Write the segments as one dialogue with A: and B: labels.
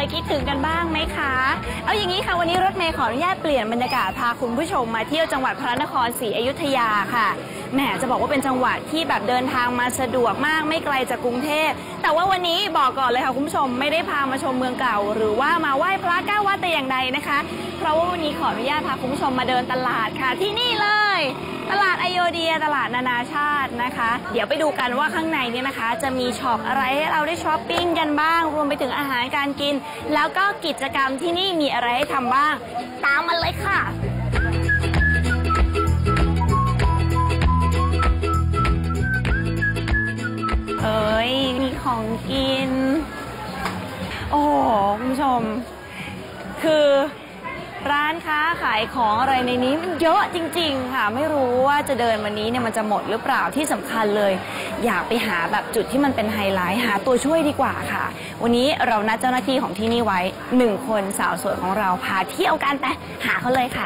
A: คิดถึงกันบ้างไหมคะเอาอย่างนี้ค่ะวันนี้รถเมย์ขออนุญาตเปลี่ยนบรรยากาศพาคุณผู้ชมมาเที่ยวจังหวัดพระนครศรีอยุธยาค่ะแหมจะบอกว่าเป็นจังหวัดที่แบบเดินทางมาสะดวกมากไม่ไกลจากกรุงเทพแต่ว่าวันนี้บอกก่อนเลยค่ะคุณผู้ชมไม่ได้พามาชมเมืองเก่าหรือว่ามาไหว้พระ9 วัดแต่อย่างใดนะคะเพราะว่าวันนี้ขออนุญาตพาคุณผู้ชมมาเดินตลาดค่ะที่นี่เลยตลาดอโยเดียตลาดนานาชาตินะคะเดี๋ยวไปดูกันว่าข้างในนี้นะคะจะมีช็อปอะไรให้เราได้ช้อปปิ้งกันบ้างรวมไปถึงอาหารการกินแล้วก็กิจกรรมที่นี่มีอะไรให้ทำบ้างตามมาเลยค่ะเอ้ยมีของกินโอ้โหคุณผู้ชมคือร้านค้าขายของอะไรในนี้มันเยอะจริงๆค่ะไม่รู้ว่าจะเดินวันนี้เนี่ยมันจะหมดหรือเปล่าที่สำคัญเลยอยากไปหาแบบจุดที่มันเป็นไฮไลท์หาตัวช่วยดีกว่าค่ะวันนี้เรานัดเจ้าหน้าที่ของที่นี่ไว้1 คนสาวสวยของเราพาเที่ยวกันไปหาเขาเลยค่ะ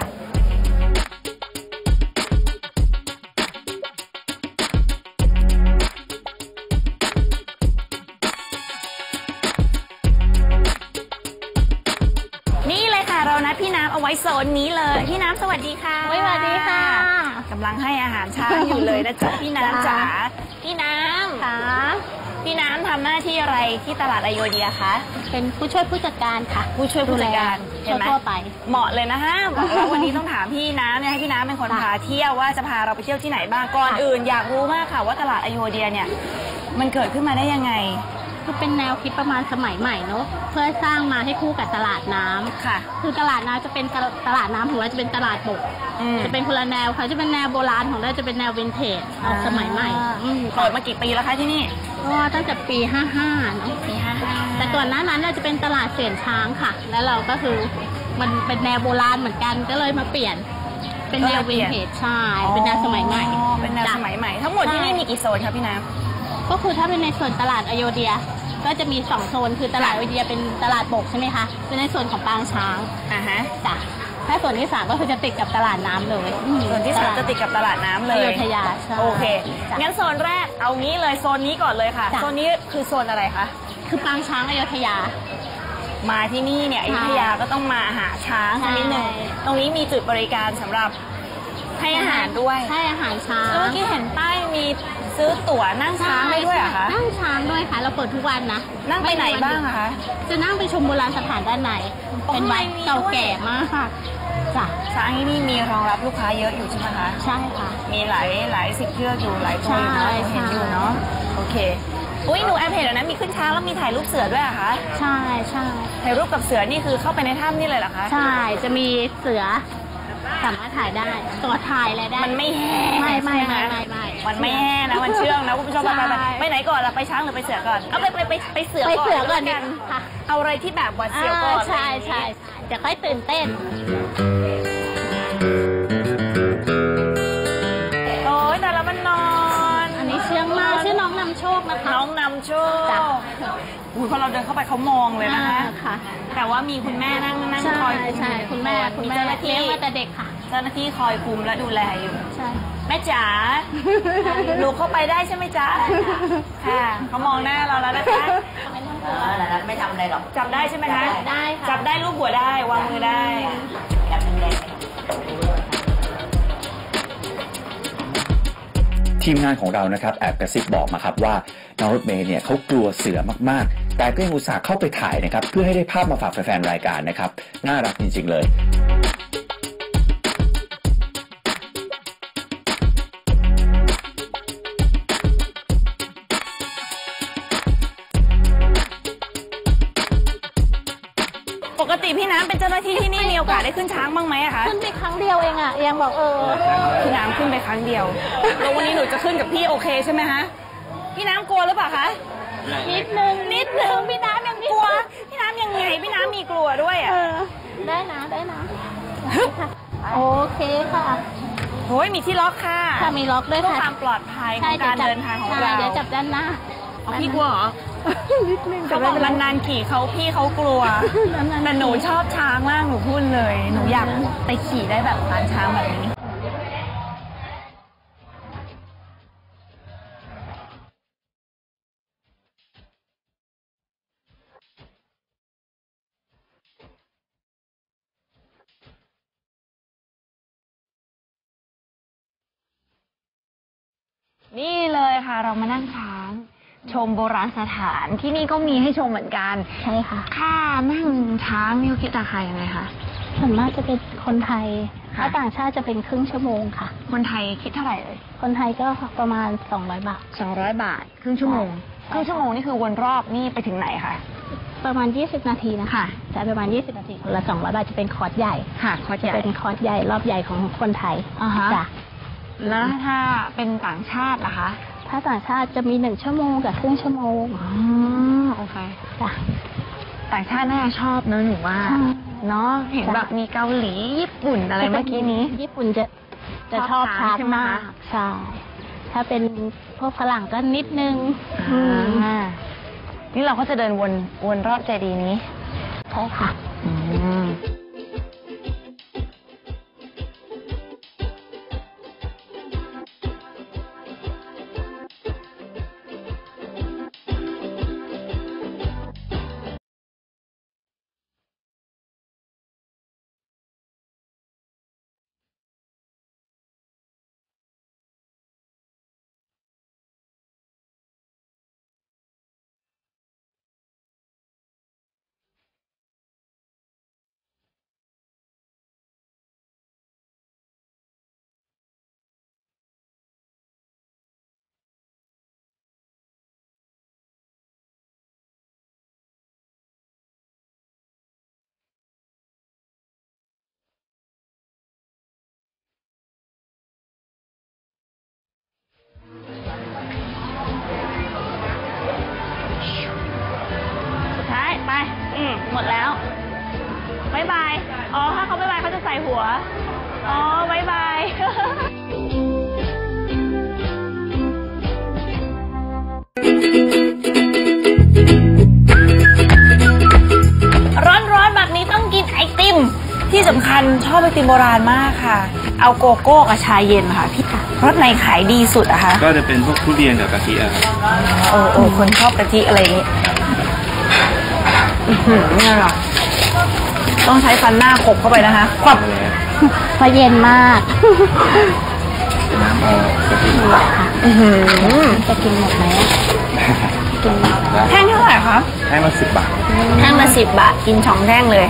A: เรานัดพี่น้ำเอาไว้โซนนี้เลยพี่น้ำสวัสดีค่ะ
B: สวัสดีค่ะ
A: กำลังให้อาหารช้างอยู่เลยนะจ๊ะพี่น้ำจ๋าพี่น้ำ
B: ค่ะ
A: พี่น้ำทำหน้าที่อะไรที่ตลาดอโยเดียคะ
B: เป็นผู้ช่วยผู้จัดการค่ะ
A: ผู้ช่วยผู้จัดการ
B: เห็นไหมทั่วไป
A: เหมาะเลยนะฮะบอกแล้ววันนี้ต้องถามพี่น้ำเนี่ยให้พี่น้ำเป็นคนพาเที่ยวว่าจะพาเราไปเที่ยวที่ไหนบ้างก่อนอื่นอยากรู้มากค่ะว่าตลาดอโยเดียเนี่ยมันเกิดขึ้นมาได้ยังไง
B: คือเป็นแนวคิดประมาณสมัยใหม่เนาะเพื่อสร้างมาให้คู่กับตลาดน้ำ
A: ค่ะ
B: คือตลาดน้ำจะเป็นตลาดน้ำของเราจะเป็นตลาดบกจะเป็นคนละแนวค่ะจะเป็นแนวโบราณของเราจะเป็นแนววินเทจสมัยใหม่
A: เปิดมากี่ปีแล้วคะที่นี่
B: ก็ตั้งแต่ปี55เนาะ
A: ปี55
B: แต่ก่อนหน้านั้นเราจะเป็นตลาดเสียนช้างค่ะแล้วเราก็คือมันเป็นแนวโบราณเหมือนกันก็เลยมาเปลี่ยนเป็นแนววินเทจใช่เป็นแนวสมัยใหม่
A: เป็นแนวสมัยใหม่ทั้งหมดที่นี่มีกี่โซนคะพี่น้
B: ำก็คือถ้าเป็นในส่วนตลาดอโยเดียก็จะมี2 โซนคือตลาดอโยเดียเป็นตลาดบกใช่ไหมคะเป็นในส่วนของปางช้างจ้ะถ้าส่วนที่3ก็คือจะติดกับตลาดน้ำเลย
A: ส่วนที่3จะติดกับตลาดน้ำเลย
B: อยุธยา
A: โอเคงั้นโซนแรกเอางี้เลยโซนนี้ก่อนเลยค่ะโซนนี้คือโซนอะไรคะ
B: คือปางช้างอยุธยา
A: มาที่นี่เนี่ยอยุธยาก็ต้องมาหาช้างนิดนึงตรงนี้มีจุดบริการสำหรับให้อาหารด้วย
B: ให้อาหารช้าง
A: เมื่อกี้เห็นป้ายมีซื้อตั๋วนั่งช้างได้ด้วยเหรอคะ
B: นั่งช้างด้วยค่ะเราเปิดทุกวันนะ
A: นั่งไปไหนบ้างคะ
B: จะนั่งไปชมโบราณสถานด้านในเป็นวัดเก่าแก่มากค่ะจ้ะ
A: ช้างที่นี่มีรองรับลูกค้าเยอะอยู่ใช่ไหมคะ
B: ใช่ค่ะ
A: มีหลายสิบเชือกอยู่หลายตัวอยู่นะเห็นอยู่เนาะโอเคอุ้ยหนูแอบเห็นแล้วนะมีขึ้นช้างแล้วมีถ่ายรูปเสือด้วยเหรอคะ
B: ใช่ใช่
A: ถ่ายรูปกับเสือนี่คือเข้าไปในถ้ำนี่เลยเหรอคะ
B: ใช่จะมีเสือสามารถถ่ายได้ตัวถ่ายอะไรได้
A: มันไม่แห้
B: ไม่มันไม่
A: แห้นะมันเชื่องนะคุณผู้ชมไปไหนก่อนล่ะไปช้างหรือไปเสือก่อนเอาไปเสือก่อน
B: กันค่ะ
A: เอาอะไรที่แบบหวาดเสียวก่อน
B: ใช่เดี๋ยวค่อยตื่นเต้น
A: โอ้ยแต่ละมันนอน
B: อันนี้เชื่องมากชื่อน้องนำโชคนะคะ
A: น้องนำโชคพอเราเดินเข้าไปเขามองเลยนะคะแต่ว่ามีคุณแม่นั่งคอย
B: ใช่คุณแม่เลี้ยงมาแต่เด็กค่ะ
A: เจ้าหน้าที่คอยคุมและดูแลอยู่
B: ใช่
A: แม่จ๋าลูกเข้าไปได้ใช่ไหมจ๊ะค่ะเขามองหน้าเราแล้วนะคะ
C: ไม่ทำอะไรหรอก
A: จับได้ใช่ไหมคะ
B: ได้ค่ะ
A: จับได้ลูกหัวได้วางมือได้
C: จับแรง
D: ทีมงานของเรานะครับแอบกระซิบบอกมาครับว่าน้องรถเมย์เนี่ยเขากลัวเสือมากๆแต่ก็ยังอุตส่าห์เข้าไปถ่ายนะครับเพื่อให้ได้ภาพมาฝากแฟนๆรายการนะครับน่ารักจริงๆเลย
A: ปกติพี่น้ำเป็นเจ้าหน้าที่ที่นี่มีโอกาสได้ขึ้นช้างบ้างไหมคะ
B: ขึ้นไปครั้งเดียวเองยังบอก
A: พี่น้ำขึ้นไปครั้งเดียวแล้ววันนี้หนูจะขึ้นกับพี่โอเคใช่ไหมคะพี่น้ำกลัวหรือเปล่าคะ
B: นิดนึง
A: พี่น้ำยังกลัวพี่น้ำยังไงพี่น้ำมีกลัวด้วย
B: ได้นะโอเคค่ะ
A: โอ้ยมีที่ล็อกค่ะ
B: มีล็อกด้วยค่ะ
A: เพื่อความปลอดภัยของการเดินทางของเรา
B: เดี๋ยวจับด้านหน้า
A: พี่กลัวเหรอ
B: นิดนึง
A: เขาบอกนานๆขี่พี่เขากลัวแต่หนูชอบช้างมากหนูพูดเลยหนูอยากไปขี่ได้แบบพานช้างแบบนี้นี่เลยค่ะเรามานั่งช้างชมโบราณสถานที่นี่ก็มีให้ชมเหมือนกัน
B: ใช่ค่ะ
A: ค่านั่งช้างนี่คิดราคายังไงคะ
B: ส่วนมากจะเป็นคนไทยถ้าต่างชาติจะเป็นครึ่งชั่วโมงค่ะ
A: คนไทยคิดเท่าไหร่เลย
B: คนไทยก็ประมาณ200 บาท
A: 200 บาทครึ่งชั่วโมงครึ่งชั่วโมงนี่คือวนรอบนี่ไปถึงไหนคะ
B: ประมาณ20 นาทีนะคะแต่ประมาณ20 นาทีละ200 บาทจะเป็นคอร์สใหญ่
A: ค่ะคอร์สใหญ่
B: เป็นคอร์สใหญ่รอบใหญ่ของคนไทย
A: จ้ะแล้วถ้าเป็นต่างชาติล่ะคะ
B: ถ้าต่างชาติจะมี1 ชั่วโมงกับครึ่งชั่วโมง
A: โอเค
B: จ้ะ
A: ต่างชาติน่าจะชอบเนอะหนูว่าเนาะเห็นแบบมีเกาหลีญี่ปุ่นอะไรเมื่อกี้นี้
B: ญี่ปุ่นจะชอบช้างมากใช่ถ้าเป็นพวกฝรั่งก็นิดนึง
A: นี่เราก็จะเดินวนรอบเจดีย์นี้
B: ใช่ค่ะ
A: หมดแล้วบ๊ายบายอ๋อถ้าเขาบ๊ายบายเขาจะใส่หัวอ๋อบ๊ายบายร้อนๆแบบนี้ต้องกินไอติมที่สำคัญชอบไอติมโบราณมากค่ะเอาโกโก้กับชาเย็นค่ะพี่รสไหนขายดีสุดอะคะ
E: ก็จะเป็นพวกทุเรียนกับกะทิอะครับ
A: คนชอบกะทิอะไรอย่างนี้เนี่ยหรอต้องใช้ฟันหน้าขบเข้าไปนะคะควับ
B: เพราะเย็นมาก
E: น้ำกะทิ
B: จะกินหมดไหมกินหมด
A: แท่งเท่าไหร่คะ
E: แท่งละ10 บาท
A: แท่งละ10 บาทกิน2 แท่งเลย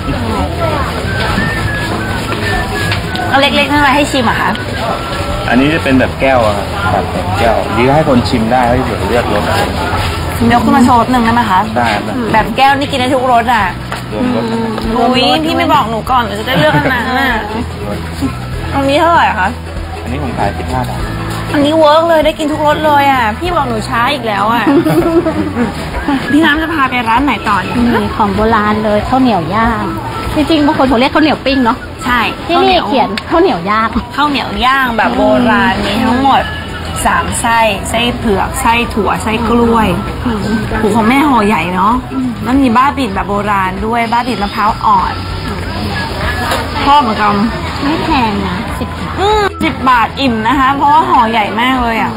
A: ก็เล็กๆนั่นอะไรให้ชิมอะคะ
E: อันนี้จะเป็นแบบแก้วครับแบบแก้วดีให้คนชิมได้ให้เผื่อเลือกรส
A: เดี๋ยวคุณมาโชว์หนึ่งได้ไหมคะ
E: ได้
A: แบบแก้วนี่กินได้ทุกรสอ่ะอุ้ยพี่ไม่บอกหนูก่อนหนูจะได้เลือกอันนั้นน่ะอันนี้เท่าไหร่คะ
E: อันนี้ผมขาย15 บาท
A: อันนี้เวิร์กเลยได้กินทุกรสเลยอ่ะพี่บอกหนูช้าอีกแล้วอ่ะพี่น้ำจะพาไปร้านไหนต่อ
B: มีของโบราณเลยข้าวเหนียวย่างจริงๆบางคนเขาเรียกข้าวเหนียวปิ้งเนาะ
A: ใช่
B: ที่นี่เขียนข้าวเหนียวย่าง
A: ข้าวเหนียวย่างแบบโบราณมีทั้งหมด3 ไส้เผือกไส้ถั่วไส้กล้วยหูของแม่ห่อใหญ่เนาะแล้วมีบ้าบิ่นแบบโบราณด้วยบ้าบิ่นมะพร้าวอ่อนชอบเหมือนกัน
B: ไม่แพงนะ10 บาท
A: 10 บาทอิ่มนะคะเพราะว่าห่อใหญ่มากเลยอ่ะ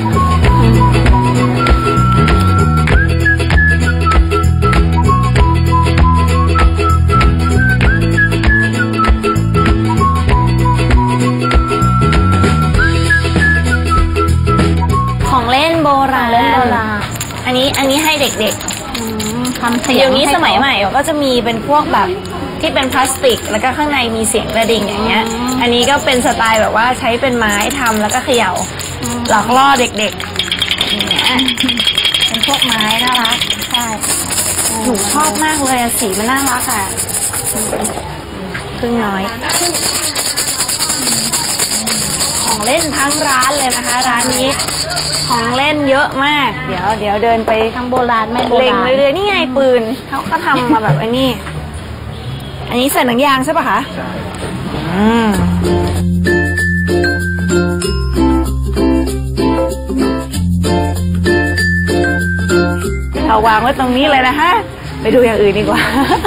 A: อันนี้ให้เด็กๆทำเสียงเดี๋ยวนี้สมัยใหม่ก็จะมีเป็นพวกแบบที่เป็นพลาสติกแล้วก็ข้างในมีเสียงกระดิ่งอย่างเงี้ยอันนี้ก็เป็นสไตล์แบบว่าใช้เป็นไม้ทำแล้วก็เขย่าหลอกล่อเด็กๆอย่างเงี้ยเป็นพวกไม้น่ารักใช่หนูชอบมากเลยสีมันน่ารักอ่ะพึ่งน้อยของเล่นทั้งร้านเลยนะคะร้านนี้ของเล่นเยอะมากเดี๋ยวเดินไป
B: ทั้งโบราณไม่โบราณ
A: เล็งเรื่อยๆนี่ไงปืนเขาก็ทำมาแบบอันนี้ใส่หนังยางใช่ปะคะใช่เราวางไว้ตรงนี้เลยนะฮะไปดูอย่างอื่นดีกว่า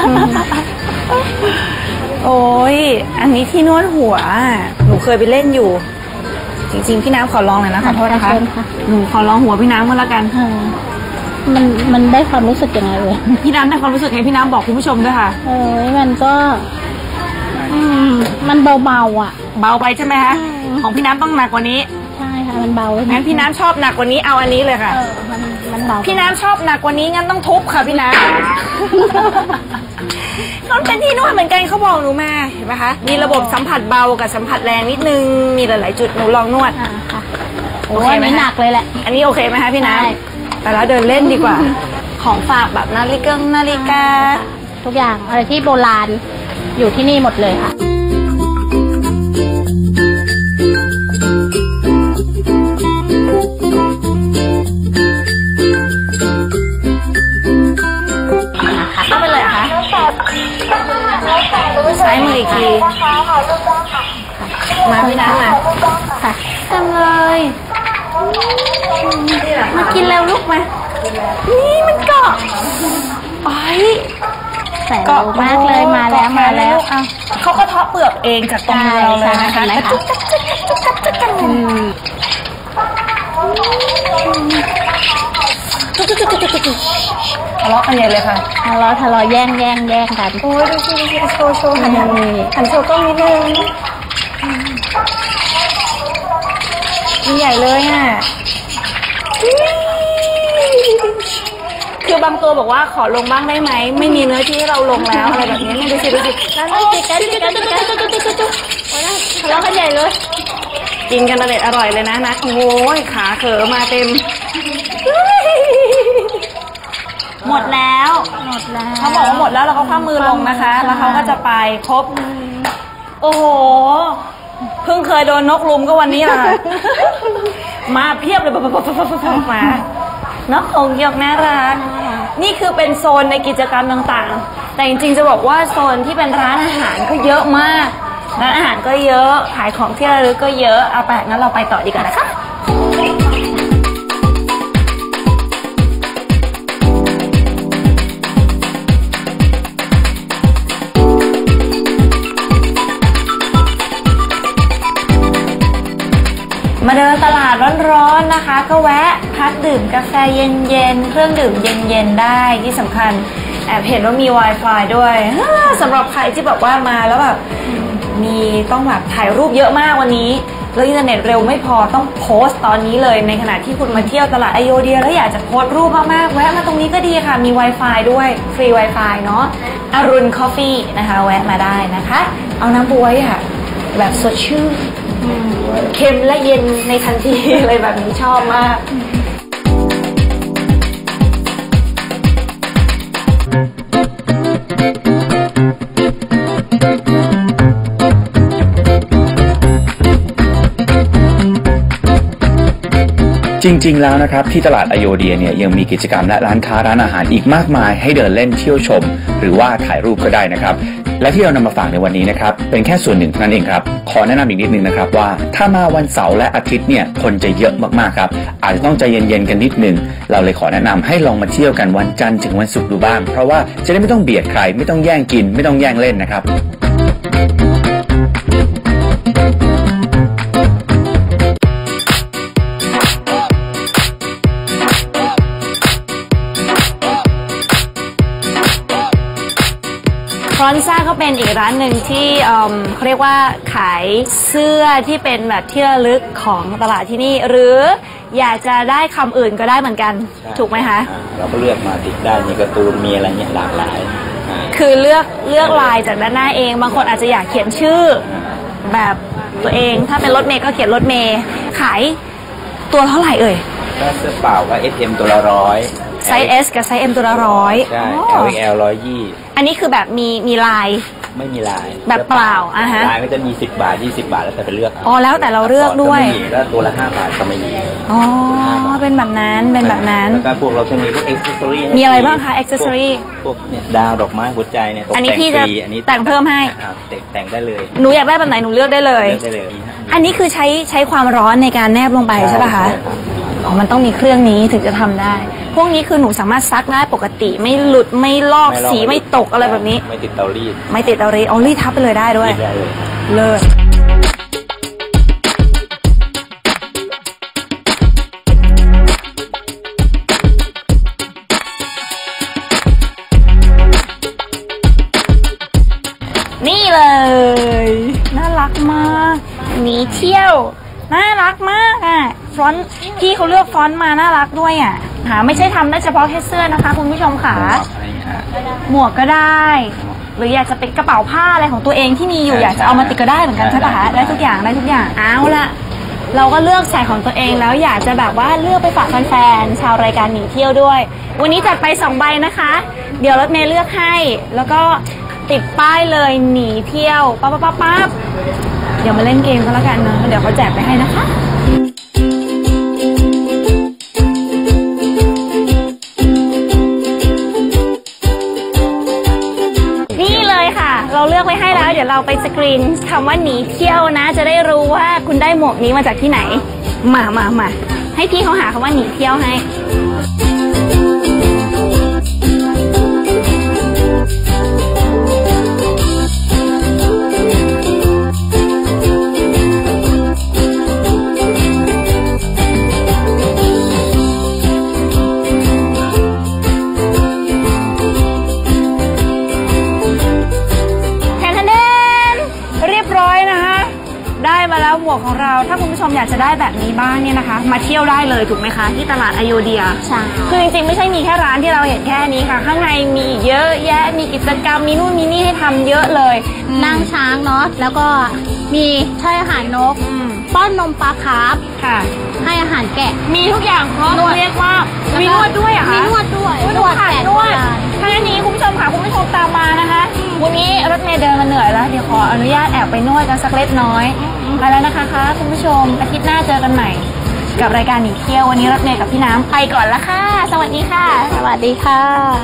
A: โอ้ยอันนี้ที่นวดหัวหนูเคยไปเล่นอยู่จริงๆพี่น้ำขอลองหน่อยนะคะขอโทษนะคะหนูขอลองหัวพี่น้ำก็แล้วกัน
B: มันได้ความรู้สึกยังไงเลย
A: พี่น้ำได้ความรู้สึกไงพี่น้ำบอกคุณผู้ชมด้วยค่ะ
B: มันก็มันเบาๆอ่ะ
A: เบาไปใช่ไหมคะของพี่น้ำต้องหนักกว่านี้
B: ใช่ช่ค่ะมันเบา
A: งั้นพี่น้ำชอบหนักกว่านี้เอาอันนี้เลยค่ะ
B: มันเบา
A: พี่น้ำชอบหนักกว่านี้งั้นต้องทุบค่ะพี่น้ำ เขาเป็นที่นวดเหมือนกันเขาบอกหนูมาเห็นไหมคะมีระบบสัมผัสเบากับสัมผัสแรงนิดนึงมีหลายๆจุดหนูลองนวด
B: ค่ะ
A: โอ
B: โอ้
A: เค
B: ย
A: ไหม
B: ไม่หนักเลยแหละ
A: อันนี้โอเคไหมคะพี่น้ำ
B: ใช่
A: ไปแล้วเดินเล่นดีกว่า ของฝากแบบนาฬิกา
B: ทุกอย่างอะไรที่โบราณอยู่ที่นี่หมดเลยค่ะ
A: เข้าไปเลยเหรอคะซ้ายมืออีกทีมาพี่น้ำมา
B: ค่ะ
A: จังเลยมากินแล้วลูกมานี่มันเกาะโอ้ย
B: แสนรู้มากเลยมาแล้วมาแล้ว
A: เอาเขาก็เทาะเปลือกเองจากตรงมือเราเลยนะคะ
B: ใช่
A: กระจุกกระจุกกระจุกกระจุกทะเลาะกันใหญ่เลยค่ะ
B: ทะเลาะแย่งกัน
A: โอ้ยดูสิโชว์หันโชว์กล้องนิดนึงมีใหญ่เลยอ่ะคือบางตัวบอกว่าขอลงบ้างได้ไหมไม่มีเนื้อที่ให้เราลงแล้วอะไรแบบนี้ดูสินั่นจิกกันทะเลาะกันใหญ่เลยกินกันอร่อยเลยนะโอ้ยขาเขอมาเต็มหมดแล้วเขาบอกว่าหมดแล้วเราก็คว้ามือลงนะคะ แล้วเขาก็จะไปครบโอ้โหเพิ่งเคยโดนนกลุมก็วันนี้แหละมาเพียบเลยมานกหงส์หยกน่ารักนี่คือเป็นโซนในกิจกรรมต่างๆแต่จริงๆจะบอกว่าโซนที่เป็นร้านอาหารก็เยอะมากร้านอาหารก็เยอะขายของที่ระลึกก็เยอะเอาไปงั้นเราไปต่อดีกว่านะคะมาเดินตลาดร้อนๆนะคะก็แวะพักดื่มกาแฟเย็นๆเครื่องดื่มเย็นๆได้ที่สำคัญแอบเห็นว่ามี Wi-Fi ด้วยสำหรับใครที่แบบว่ามาแล้วแบบมีต้องแบบถ่ายรูปเยอะมากวันนี้แล้วอินเทอร์เน็ตเร็วไม่พอต้องโพสต์ตอนนี้เลยในขณะที่คุณมาเที่ยวตลาดอโยเดียแล้วอยากจะโพสต์รูปมากๆแวะมาตรงนี้ก็ดีค่ะมี Wi-Fi ด้วยฟรี Wi-Fi เนาะอรุณคอฟฟี่นะคะแวะมาได้นะคะเอาน้ำบ๊วยค่ะแบบสดชื่นเค็มและเย็นในทันที เลยแบบนี้ชอบมาก
D: จริงๆแล้วนะครับที่ตลาดอโยเดียเนี่ยยังมีกิจกรรมและร้านค้าร้านอาหารอีกมากมายให้เดินเล่นเที่ยวชม หรือว่าถ่ายรูปก็ได้นะครับและที่เรานำมาฝากในวันนี้นะครับเป็นแค่ส่วนหนึ่งเท่านั้นเองครับขอแนะนำอีกนิดนึงนะครับว่าถ้ามาวันเสาร์และอาทิตย์เนี่ยคนจะเยอะมากๆครับอาจจะต้องใจเย็นๆกันนิดนึงเราเลยขอแนะนำให้ลองมาเที่ยวกันวันจันทร์ถึงวันศุกร์ดูบ้างเพราะว่าจะได้ไม่ต้องเบียดใครไม่ต้องแย่งกินไม่ต้องแย่งเล่นนะครับ
A: ฟรอนซ่าก็เป็นอีกร้านหนึ่งที่เขาเรียกว่าขายเสื้อที่เป็นแบบที่ระลึกของตลาดที่นี่หรืออยากจะได้คำอื่นก็ได้เหมือนกันถูกไหมคะ
E: เราก็เลือกมาติดได้มีการ์ตูนมีอะไรเนี่ยหลากหลาย
A: คือเลือกลายจากด้านหน้าเองบางคนอาจจะอยากเขียนชื่อแบบตัวเองถ้าเป็นรถเมย์ก็เขียนรถเมย์ขายตัวเท่าไหร่เอ่ย
E: ก็เสื้อเปล่าก็ SM ตัวละ100
A: ไซส์ S กับไซส์ M ตัวละ100
E: ใช่ LXL 120
A: อันนี้คือแบบมีลาย
E: ไม่มีลาย
A: แบบเปล่าฮะ
E: ลายก็จะมี10 บาท20 บาทแล้วแต่ไปเลือก
A: อ๋อแล้วแต่เราเลือกด้วย
E: แล้วตัวละ5 บาทก็ไม่มี
A: อ๋อเป็นแบบนั้นแล้ว
E: ก็พวกเราจะมีพวก accessory
A: มีอะไรบ้างคะ accessory
E: พวกเนี่ยดาวดอกไม้หัวใจเนี่ย
A: อันนี้พี่จะแต่งเพิ่มให้
E: แต่งได้เลย
A: หนูอยากได้แบบไหนหนูเลือกได้เลยอันนี้คือใช้ความร้อนในการแนบลงไปใช่ป่ะคะอ๋อมันต้องมีเครื่องนี้ถึงจะทำได้พวกนี้คือหนูสามารถซักได้ปกติไม่หลุดไม่ลอกสีไม่ตกอะไรแบบนี้
E: ไม่ติดเตารีด
A: อ๋อรีดทับไปเลยได้ด้วยเลิศนี่เลยน่ารักมากหนีเที่ยวน่ารักมากอ่ะฟอนต์พี่เขาเลือกฟอนต์มาน่ารักด้วยอ่ะไม่ใช่ทำได้เฉพาะแค่เสื้อนะคะคุณผู้ชมค่ะหมวกก็ได้หรืออยากจะเป็นกระเป๋าผ้าอะไรของตัวเองที่มีอยู่อยากจะเอามาติดก็ได้เหมือนกันใช่ปะคะได้ทุกอย่างเอาละเราก็เลือกใส่ของตัวเองแล้วอยากจะแบบว่าเลือกไปฝากแฟนๆชาวรายการหนีเที่ยวด้วยวันนี้จัดไป2 ใบนะคะเดี๋ยวรถเมย์เลือกให้แล้วก็ติดป้ายเลยหนีเที่ยวปั๊บเดี๋ยวมาเล่นเกมกันแล้วกันนะเดี๋ยวเขาแจกไปให้นะคะนี่เลยค่ะเราเลือกไว้ให้แล้วเดี๋ยวเราไปสกรีนคำว่าหนีเที่ยวนะจะได้รู้ว่าคุณได้หมวกนี้มาจากที่ไหนมาให้พี่เขาหาคำว่าหนีเที่ยวให้ได้มาแล้วหมวกของเราถ้าคุณผู้ชมอยากจะได้แบบนี้บ้างเนี่ยนะคะมาเที่ยวได้เลยถูกไหมคะที่ตลาดอโยเดียใช่คือจริงๆไม่ใช่มีแค่ร้านที่เราเห็นแค่นี้ค่ะข้างในมีเยอะแยะมีกิจกรรมมีนู่นมีนี่ให้ทำเยอะเลย
B: นั่งช้างเนาะแล้วก็มีให้อาหารนกป้อนนมปลาคาร์ฟ
A: ค่ะ
B: ให้อาหารแกะ
A: มีทุกอย่างครบเรียกว่ามีนวดด้วยอะคะ
B: มีนวดด้วย
A: นวดถ้าอย่างนี้คุณผู้ชมค่ะคุณผู้ชมตามมานะคะวันนี้รถเมล์เดินมาเหนื่อยแล้วเดี๋ยวขออนุญาตแอบไปนวดกันสักเล็กน้อยไปแล้วนะคะคุณผู้ชมอาทิตย์หน้าเจอกันใหม่กับรายการหนีเที่ยววันนี้รถเมล์กับพี่น้ำไปก่อนละค่ะสวัสดีค่ะ
B: สวัสดีค่ะ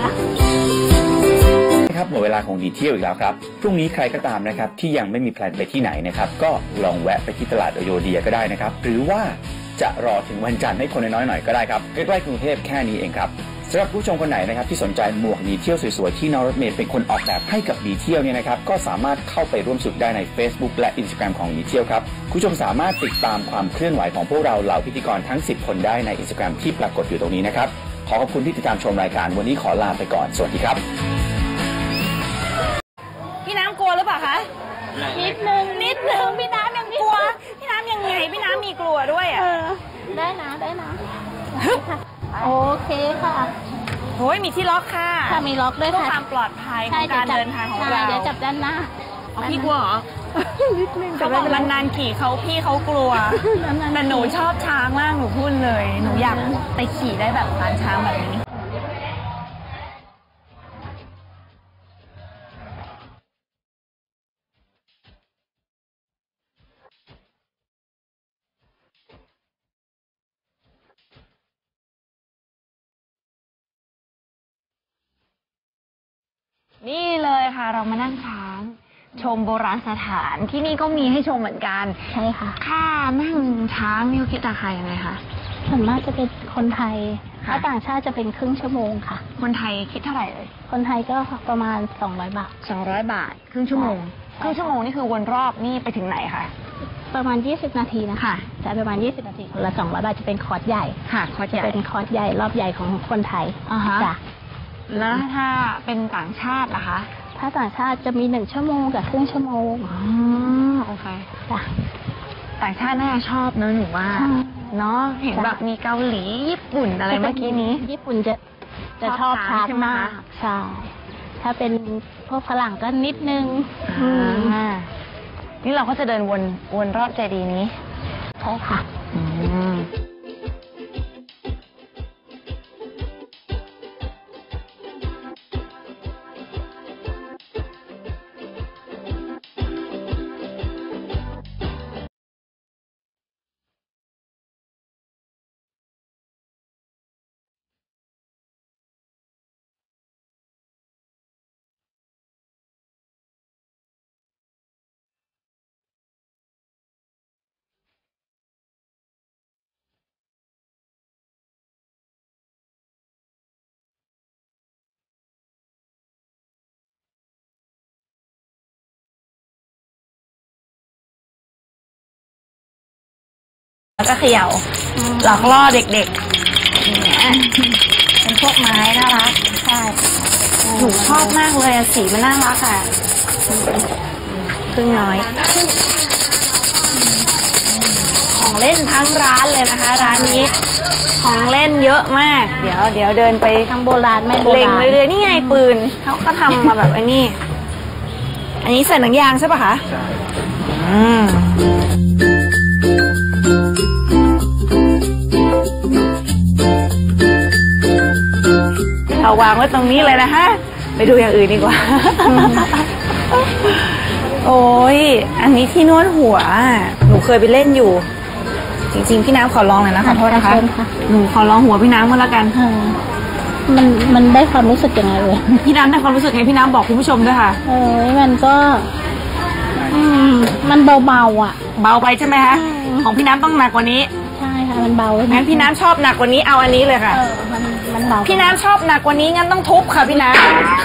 D: ครับหมดเวลาของหนีเที่ยวอีกแล้วครับพรุ่งนี้ใครก็ตามนะครับที่ยังไม่มีแพลนไปที่ไหนนะครับก็ลองแวะไปที่ตลาดอโยเดียก็ได้นะครับหรือว่าจะรอถึงวันจันทร์ให้คนน้อยๆหน่อยก็ได้ครับใกล้ๆกรุงเทพแค่นี้เองครับสำหรับผู้ชมคนไหนนะครับที่สนใจหมวกหนีเที่ยวสวยๆที่น้องรถเมล์เป็นคนออกแบบให้กับหนีเที่ยวเนี่ยนะครับก็สามารถเข้าไปร่วมสนุกได้ใน Facebook และ Instagram ของหนีเที่ยวครับผู้ชมสามารถติดตามความเคลื่อนไหวของพวกเราเหล่าพิธีกรทั้ง10คนได้ใน Instagram ที่ปรากฏอยู่ตรงนี้นะครับขอขอบคุณที่ติดตามชมรายการวันนี้ขอลาไปก่อนสวัสดีครับ
A: พี่น้ำกลัวหรือเปล่าคะ
B: นิดนึง
A: พี่น้ำยังกลัวพี่น้ำยังไงพี่น้ำมีกลัวด้วยอ่ะ
B: ได้นะโอเคค่ะ
A: โอ้ยมีที่ล็อกค่ะ
B: มีล็อกด้วยค่ะ
A: เพื่อความปลอดภัยของการเดินทางของเรา
B: เดี๋ยวจับด้านหน้า
A: พี่กลัวเหรอเขาบอกนานๆขี่พี่เขากลัวแต่หนูชอบช้างมากหนูพูดเลยหนูอยากไปขี่ได้แบบร้านช้างแบบนี้นี่เลยค่ะเรามานั่งช้างชมโบราณสถานที่นี่ก็มีให้ชมเหมือนกัน
B: ใช่ค่ะ
A: ค่านั่งช้างนี่คิดราคายังไงคะ
B: ส่วนมากจะเป็นคนไทยถ้าต่างชาติจะเป็นครึ่งชั่วโมงค่ะ
A: คนไทยคิดเท่าไหร่เลย
B: คนไทยก็ประมาณ200 บาท
A: 200 บาทครึ่งชั่วโมงนี่คือวนรอบนี่ไปถึงไหนคะ
B: ประมาณ20 นาทีนะคะจะประมาณ20 นาทีคนละ200 บาทจะเป็นคอร์สใหญ่
A: ค่ะคอร์สใหญ่
B: เป็นคอร์สใหญ่รอบใหญ่ของคนไทย
A: จ้ะแล้วถ้าเป็นต่างชาติล่ะคะ
B: ถ้าต่างชาติจะมี1 ชั่วโมงกับครึ่งชั่วโมง
A: โอเค
B: จ้ะ
A: ต่างชาติน่าชอบเนอะหนูว่าเนาะเห็นแบบมีเกาหลีญี่ปุ่นอะไรเมื่อกี้นี้
B: ญี่ปุ่นจะชอบช้างมากใช่ถ้าเป็นพวกฝรั่งก็นิดนึง
A: นี่เราก็จะเดินวนรอบเจดีย์นี้
B: ใช่ค่ะ
A: แล้วก็เขย่าหลอกล่อเด็กๆเนี่ยเป็นพวกไม้น่ารักใช่หนูชอบมากเลยสีมันน่ารักอ่ะพึ่งน้อยของเล่นทั้งร้านเลยนะคะร้านนี้ของเล่นเยอะมากเดี๋ยวเดินไป
B: ทั้งโบราณไม่โบ
A: เล็ง
B: ราณ
A: เรื่อยๆนี่ไงปืนเขาก็ทำมาแบบไอ้นี่อันนี้ใส่หนังยางใช่ปะคะใช่เอาวางไว้ตรงนี้เลยนะฮะไปดูอย่างอื่นดีกว่า โอ้ยอันนี้ที่นวดหัวหนูเคยไปเล่นอยู่จริงๆพี่น้ำขอลองเลยนะขอโทษนะคะหนูขอลองหัวพี่น้ำมาแล้วกัน
B: มันได้ความรู้สึกยังไงเลย
A: พี่น้ำได้ความรู้สึกไงพี่น้ำบอกคุณผู้ชมด้วยค่ะ
B: มันก็มันเบาๆอ่ะ
A: เบาไปใช่ไหมคะของพี่น้ำต้องหนักกว่านี้
B: ใช่ค่ะมันเบา
A: งั้นพี่น้ำชอบหนักกว่านี้เอาอันนี้เลยค่ะ
B: มันเบา
A: พี่น้ำชอบหนักกว่านี้งั้นต้องทุบค่ะพี่น้ำ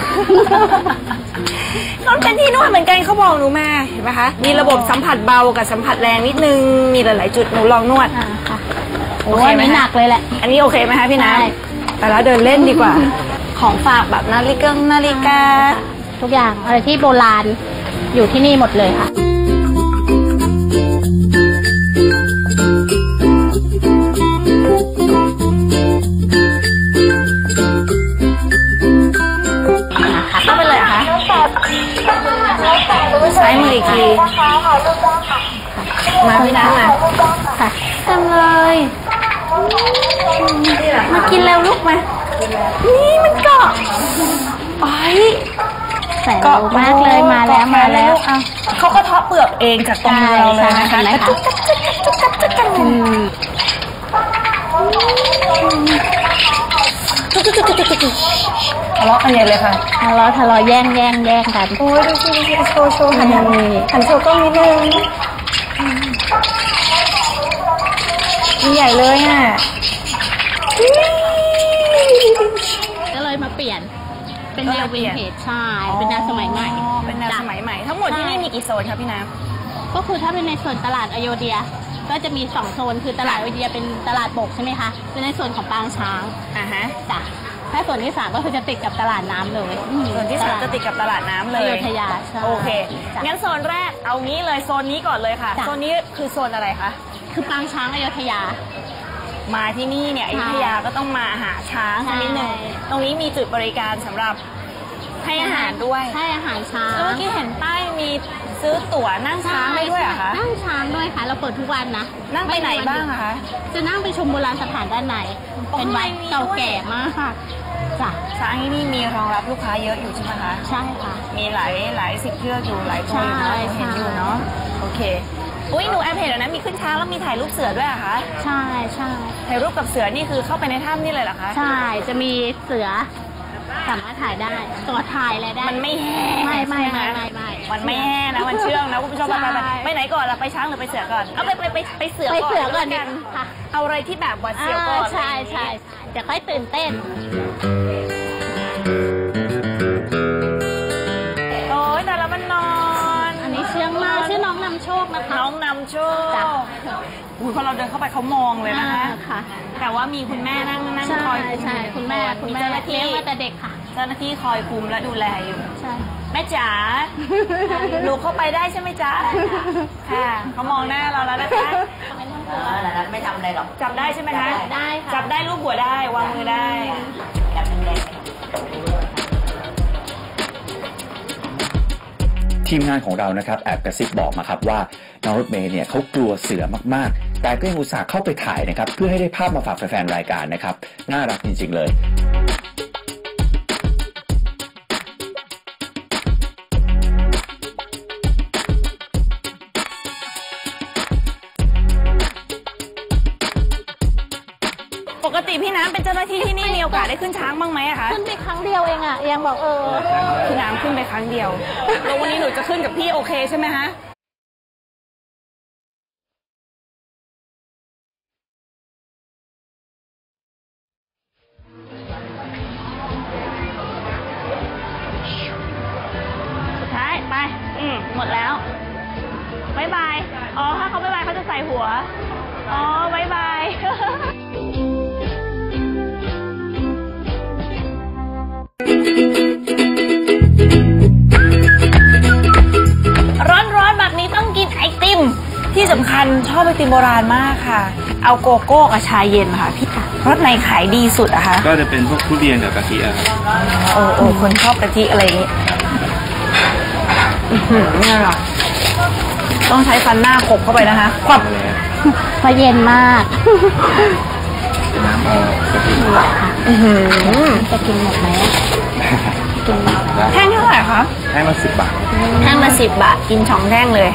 A: มันเป็นที่นวดเหมือนกันเขาบอกหนูมาเห็นไหมคะมีระบบสัมผัสเบากับสัมผัสแรงนิดนึงมีหลายๆจุดหนูลองนวด
B: ค่ะโอ้ยไม่หนักเลยแหละ
A: อันนี้โอเคไหมคะพี่น้ำแต่แล้วเดินเล่นดีกว่าของฝากแบบนาฬิกา
B: ทุกอย่างอะไรที่โบราณอยู่ที่นี่หมดเลยค่ะ
A: เข้าไปเลยค่ะซ้ายมืออีกทีมาพี่น้ำมา
B: ค่ะ
A: ทำเลยมากินเร็วลูกมานี่มันเกาะไป
B: เกาะมากเลยมาแล้ว
A: เขาก็เทาะเปลือกเองจากตรงเราเลยนะคะทะเลาะกันใหญ่เลยค่ะ
B: ทะเลาะแย่งกัน
A: โอ้ยดูสิโชว์หันโชว์กล้องนิดนึงใหญ่เลยอ่ะ
B: ก็เลยมาเปลี่ยนเป็นแนววินเทจใช่เป็นแนวสมัยใหม่
A: เป็นแนวสมัยใหม่ทั้งหมดที่นี่มีกี่โซนคะพี่น้
B: ำก็คือถ้าเป็นในส่วนตลาดอโยเดียก็จะมี2โซนคือตลาดอโยเดียเป็นตลาดบกใช่ไหมคะเป็นในส่วนของปางช้างจ้ะถ้าส่วนที่3ก็คือจะติดกับตลาดน้ำเลย
A: ส่วนที่3จะติดกับตลาดน้ำเลย
B: อโยธยา
A: โอเคงั้นโซนแรกเอางี้เลยโซนนี้ก่อนเลยค่ะโซนนี้คือโซนอะไรคะ
B: คือปางช้างอโยธยา
A: มาที่นี่เนี่ยอยุธยาก็ต้องมาหาช้างสักนิดหนึ่งตรงนี้มีจุดบริการสำหรับให้อาหารด้วย
B: ให้อาหารช้าง
A: เมื่อกี้เห็นป้ายมีซื้อตั๋วนั่งช้างได้ด้วยเหรอคะ
B: นั่งช้างด้วยค่ะเราเปิดทุกวันนะ
A: นั่งไปไหนบ้างคะ
B: จะนั่งไปชมโบราณสถานด้านในเป็นวัดเก่าแก่มากค่ะจ้ะ
A: ช้างที่นี่มีรองรับลูกค้าเยอะอยู่ใช่ไหมคะ
B: ใช่ค่ะ
A: มีหลายสิบเชือกอยู่หลายตัวอยู่นะเห็นอยู่เนาะโอเคอุ้ยหนูแอบเห็นแล้วนะมีขึ้นช้างแล้วมีถ่ายรูปเสือด้วยอะคะ
B: ใช่
A: ถ่ายรูปกับเสือนี่คือเข้าไปในถ้ำนี่เลยเหรอคะ
B: ใช่จะมีเสือสามารถถ่ายได้ตัวถ่ายอะไรได้
A: มันไม่แห้
B: ไม่
A: มันไม่แห้นะมันเชื่องนะคุณผู้ชมไปไหนก่อนล่ะไปช้างหรือไปเสือก่อนเอาไปเสือก่อน
B: กันค่ะ
A: เอาอะไรที่แบบหวาดเสียวก่อน
B: ใช่จะค่อยตื่นเต้น
A: โอ้ยแต่ละมันนอน
B: อันนี้เชื่องมากชื่อน้องนำโชคนะคะ
A: น้องนำโชคพอเราเดินเข้าไปเขามองเลยนะคะแต่ว่ามีคุณแม่นั่งคอย
B: ใช่คุณแม่เจ้าหน้าที่เลี้ยงมาแต่เด็กค่ะ
A: เจ้าหน้าที่คอยคุมและดูแลอยู่
B: ใช่
A: แม่จ๋าหนูเข้าไปได้ใช่ไหมจ๊ะค่ะเขามองหน้าเราแล้วนะคะ
C: ไม่ทำอะไรหรอก
A: จับได้ใช่ไหมคะ
B: ได้ค่ะ
A: จับได้ลูบหัวได้วางมือได้
C: จับแดง
D: ทีมงานของเรานะครับแอบกระซิบบอกมาครับว่าน้องรถเมย์เนี่ยเขากลัวเสือมากๆแต่ก็ยังอุตส่าห์เข้าไปถ่ายนะครับเพื่อให้ได้ภาพมาฝากแฟนๆรายการนะครับน่ารักจริงๆเลย
A: ปกติพี่น้ำเป็นเจ้าหน้าที่ที่นี่มีโอกาสได้ขึ้นช้างบ้างไหมอะคะ
B: ขึ้นไปครั้งเดียวเองอะยังบอก
A: พี่น้ำขึ้นไปครั้งเดียวแล้ววันนี้หนูจะขึ้นกับพี่โอเคใช่ไหมคะสุดท้ายไปหมดแล้วบ๊ายบายอ๋อถ้าเขาบ๊ายบายเขาจะใส่หัวอ๋อบ๊ายบายร้อนๆแบบนี้ต้องกินไอติมที่สสำคัญชอบไอติมโบราณมากค่ะ เอาโกโก้กับชาเย็นค่ะพี่รสไหนขายดีสุดอะคะ
E: ก็จะเป็นพวกทุเรียนกับกะทิอะครับ
A: คนชอบกะทิอะไรอย่างงี้เนี่ยหรอต้องใช้ฟันหน้าขบเข้าไปนะคะควับ
B: เพราะเย็นมาก
E: น้ำเอากะทิ
B: จะกินหมดไหมกินหมด
E: ได้
A: แท่งเท่าไหร่คะ
E: ให้มา10 บาท
A: แท่งละ10 บาทกิน2 แท่งเลย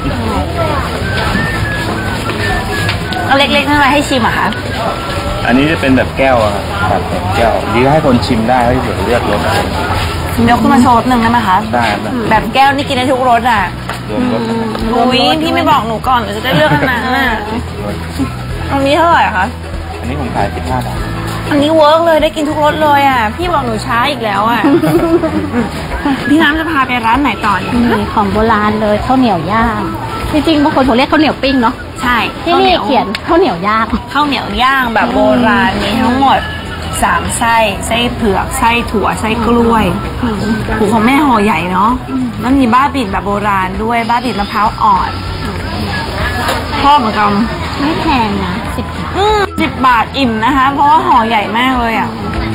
A: เอาเล็กๆนั่นอะไรให้ชิมอะคะ
E: อันนี้จะเป็นแบบแก้วอะครับแบบแก้วดีให้คนชิมได้ให้เผื่อเลือกรส
A: ยกขึ้นมาโชว์หนึ่งได้ไหมคะ
E: ได้ครับ
A: แบบแก้วนี่กินได้ทุกรสอ่ะ
E: รวมรส
A: อุ้ยพี่ไม่บอกหนูก่อนหนูจะได้เลือกอันนั้นน่ะตรงนี้เท่าไหร่คะ
E: อันนี้ผมขาย15 บาท
A: อันนี้เวิร์กเลยได้กินทุกรสเลยอ่ะพี่บอกหนูช้าอีกแล้วอ่ะ พี่น้ำจะพาไปร้านไหนต่อเนี่ย
B: มีของโบราณเลยข้าวเหนียวย่างจริงๆบางคนผมเรียกข้าวเหนียวปิ้งเนาะ
A: ใช่
B: ที่นี่เขียนข้าวเหนียวย่าง
A: ข้าวเหนียวย่างแบบโบราณมีทั้งหมด3 ไส้เผือกไส้ถั่วไส้กล้วยหูของแม่ห่อใหญ่เนาะแล้วมีบ้าบิ่นแบบโบราณด้วยบ้าบิ่นมะพร้าวอ่อนชอบเหมือนกัน
B: ไม่แพงนะ10 บาท
A: 10 บาทอิ่มนะคะ เพราะว่าห่อใหญ่มากเลยอ่ะ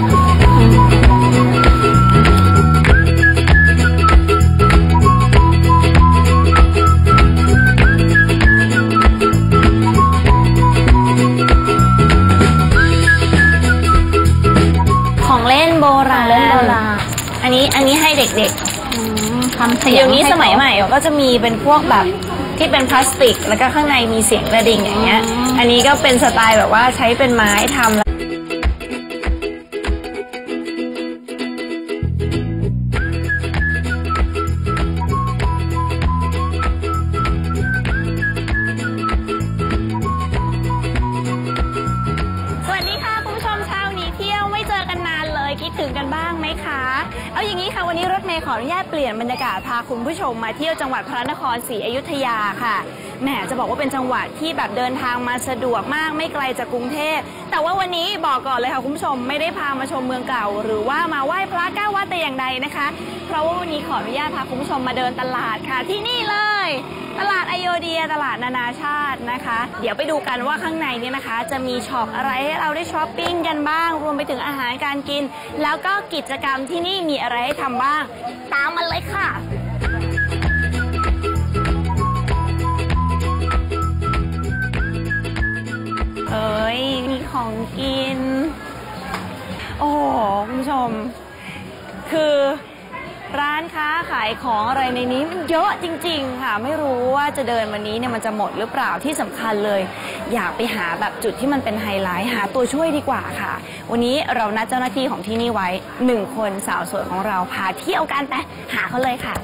A: ของเล่นโบราณอันนี้ให้เด็กๆ
B: ทำเสียง
A: เดี๋ยวนี้สมัยใหม่ก็จะมีเป็นพวกแบบที่เป็นพลาสติกแล้วก็ข้างในมีเสียงกระดิ่งอย่างเงี้ย อันนี้ก็เป็นสไตล์แบบว่าใช้เป็นไม้ทำแล้วสวัสดีค่ะคุณผู้ชมเช้านี้เที่ยวไม่เจอกันนานเลยคิดถึงกันบ้างไหมคะ เอาอย่างนี้ค่ะวันนี้รถเมย์ขออนุญาตเปลี่ยนบรรยากาศพาคุณผู้ชมมาเที่ยวจังหวัดพระนครศรีอยุธยาค่ะแหมจะบอกว่าเป็นจังหวัดที่แบบเดินทางมาสะดวกมากไม่ไกลจากกรุงเทพแต่ว่าวันนี้บอกก่อนเลยค่ะคุณผู้ชมไม่ได้พามาชมเมืองเก่าหรือว่ามาไหว้พระ9 วัดแต่อย่างใดนะคะ เพราะว่าวันนี้ขออนุญาตพาคุณผู้ชมมาเดินตลาดค่ะที่นี่เลย ตลาดอโยเดียตลาดนานาชาตินะคะ เดี๋ยวไปดูกันว่าข้างในเนี่ยนะคะ จะมีช็อปอะไรให้เราได้ช้อปปิ้งกันบ้าง รวมไปถึงอาหารการกิน แล้วก็กิจกรรมที่นี่มีอะไรให้ทำบ้าง ตามมาเลยค่ะเอ้ยมีของกิน โอ้โหคุณผู้ชม คือร้านค้าขายของอะไรในนี้มันเยอะจริงๆค่ะไม่รู้ว่าจะเดินวันนี้เนี่ยมันจะหมดหรือเปล่าที่สำคัญเลย อยากไปหาแบบจุดที่มันเป็นไฮไลท์หาตัวช่วยดีกว่าค่ะวันนี้เรานัดเจ้าหน้าที่ของที่นี่ไว้1 คนสาวสวยของเราพาเที่ยวกันไปหาเขาเลยค่ะ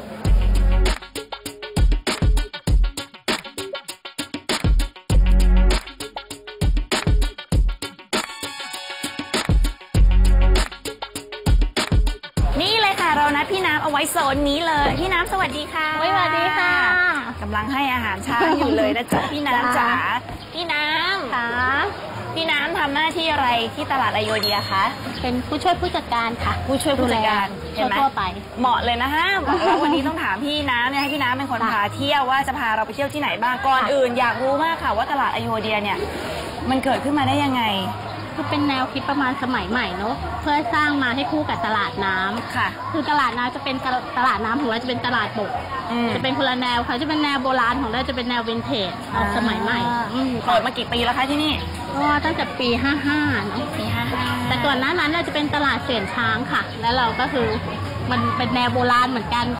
A: นี่เลยค่ะเรานัดพี่น้ำเอาไว้โซนนี้เลยพี่น้ำสวัสดีค่ะ
B: สวัสดีค่ะ
A: กำลังให้อาหารช้างอยู่เลยนะจ๊ะพี่น้ำจ๋าพี่น้
B: ค่ะ
A: ำพี่น้ำทำหน้าที่อะไรที่ตลาดอโยเดียคะ
B: เป็นผู้ช่วยผู้จัดการค่ะ
A: ผู้ช่วยผู้จัดการเห็นไหม
B: ทั่วไป
A: เหมาะเลยนะฮะบอกแล้ววันนี้ต้องถามพี่น้ำเนี่ยให้พี่น้ำเป็นคนพาเที่ยวว่าจะพาเราไปเที่ยวที่ไหนบ้างก่อนอื่นอยากรู้มากค่ะว่าตลาดอโยเดียเนี่ยมันเกิดขึ้นมาได้ยังไง
B: คือเป็นแนวคิดประมาณสมัยใหม่เนอะเพื่อสร้างมาให้คู่กับตลาดน้ำ
A: ค่ะ
B: คือตลาดน้ำจะเป็นตลาดน้ำของเราจะเป็นตลาดบก จะเป็นคนละแนวค่ะจะเป็นแนวโบราณของเราจะเป็นแนววินเทจเอาสมัยใหม่
A: เปิดมากี่ปีแล้วคะที่นี่
B: ก็ตั้งแต่ปี 55เนอะ
A: ปี55
B: แต่ก่อนหน้านั้นเราจะเป็นตลาดเสียนช้างค่ะ แล้วเราก็คือมันเป็นแนวโบราณเหมือนกัน